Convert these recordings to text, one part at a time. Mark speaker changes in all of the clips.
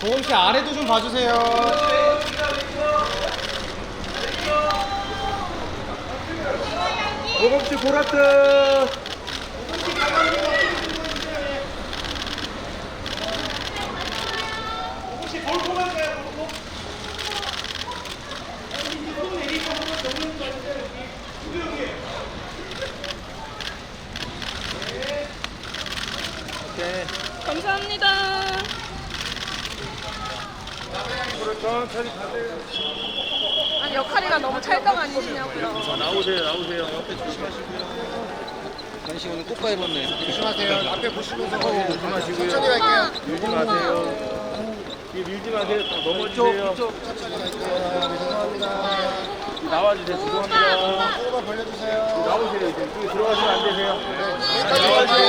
Speaker 1: 보검씨 아래도 좀 봐주세요.
Speaker 2: 보검씨 보라트. 오케이.
Speaker 3: 감사합니다.
Speaker 2: 천천히 가세요.
Speaker 3: 아니 역할이가 너무 찰떡 아니시냐고요.
Speaker 2: 나오세요. 옆에 조심하시고요.
Speaker 1: 간식 오늘 꽃가 입었네.
Speaker 4: 조심하세요. 앞에 보시면서
Speaker 2: 조심하시고요.
Speaker 4: 천천히 갈게요.
Speaker 2: 밀지 마세요. 뒤에 밀지 마세요. 넘어지세요.
Speaker 4: 천천히 갈게요. 죄송합니다.
Speaker 2: 나와주세요. 죄송합니다.
Speaker 4: 조금만 벌려주세요.
Speaker 2: 나오세요. 이제 여기 들어가시면 안 되세요.
Speaker 4: 여기까지.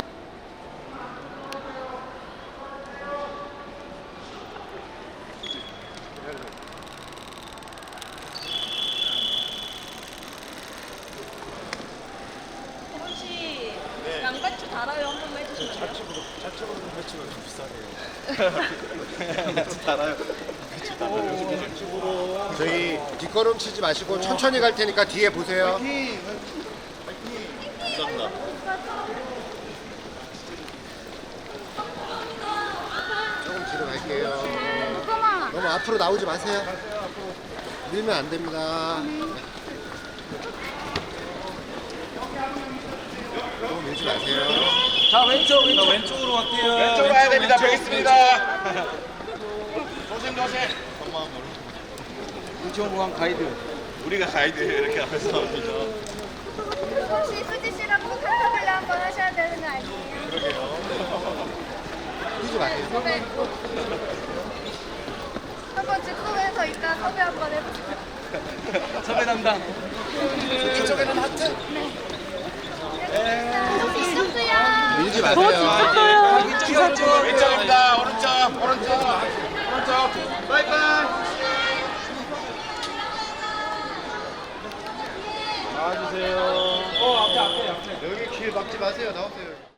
Speaker 3: 혹시 양배추 달아요 한 번만 해주시면 돼요?
Speaker 4: 자체적으로 배치가 좀 비싸네요.
Speaker 1: 달아요.
Speaker 4: 저희 뒷걸음 치지 마시고 천천히 갈 테니까 뒤에 보세요. 조금 뒤로 갈게요. 너무 앞으로 나오지 마세요. 밀면 안 됩니다. 너무 밀지 마세요.
Speaker 1: 자 왼쪽으로 갈게요.
Speaker 2: 왼쪽 가야 됩니다. 뵙겠습니다.
Speaker 1: 인천공항 가이드.
Speaker 2: 우리가 가이드 이렇게 앞에서 나옵니다.
Speaker 5: 혹시 수지 씨랑 꼭 한타블레 한번 하셔야 되는 거 아니에요?
Speaker 4: 뛰지 마세요.
Speaker 5: 섭외 한번 즉석에서 이따 섭외 한번 해보세요.
Speaker 1: 섭외 담당.
Speaker 4: 이쪽에는 하트.
Speaker 5: 혹시 있었어요?
Speaker 4: 밀지 마세요.
Speaker 2: 왼쪽입니다. 오른쪽. 바이바이. 나와주세요.
Speaker 4: 여기 길 막지 마세요. 나오세요.